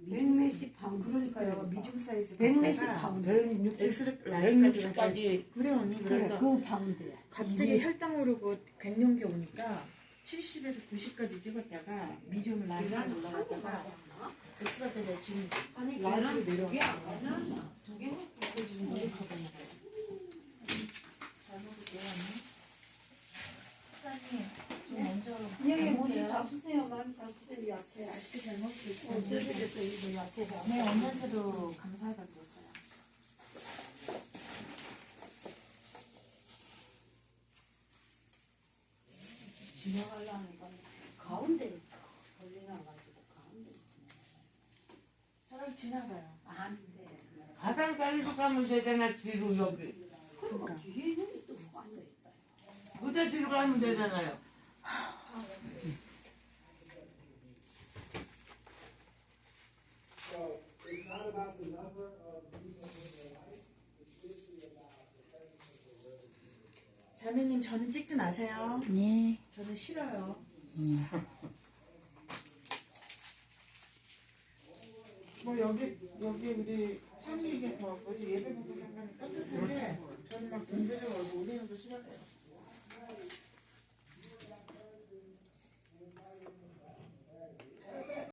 100몇십 파운드. 그러니까요. 미디움 사이즈 100몇십 파운드. 엑스를 라지까지 그래 언니. 그래, 그래서 그 파운드야. 갑자기 혈당 오르고 갱년기 오니까 70에서 90까지 찍었다가 미디움 라지까지 올라갔다가 엑스럴 때 지금 아니, 라지로 내려왔어요. 두 개 먹고 그래서 지금 노력하고 있는 거예요. 잘 먹을게요 언니. 사장님 좀 먼저 여기 먼저 잡수세요. 많이 잡수세요. 야채. 맛있게 잘 먹을 수 있어요. 저쪽에서 이거 야채가. 네 언니한테도 감사하다고 그랬어요. 지나가려니까 가운데를 걸려놔가지고 가운데 저랑 지나가요. 안 돼. 가장 빨리 가면 되잖아, 뒤로 여기. 그러니까 뒤에 있는 게또 앉아있다. 무대 뒤로 가면 되잖아요. 자매님 저는 찍지 마세요. 네. 저는 싫어요. 뭐 여기 우리 찬미가 더 어제 예배 보고 잠깐 깜짝인데 저는 막 경제적으로 우리는 더 싫어해요.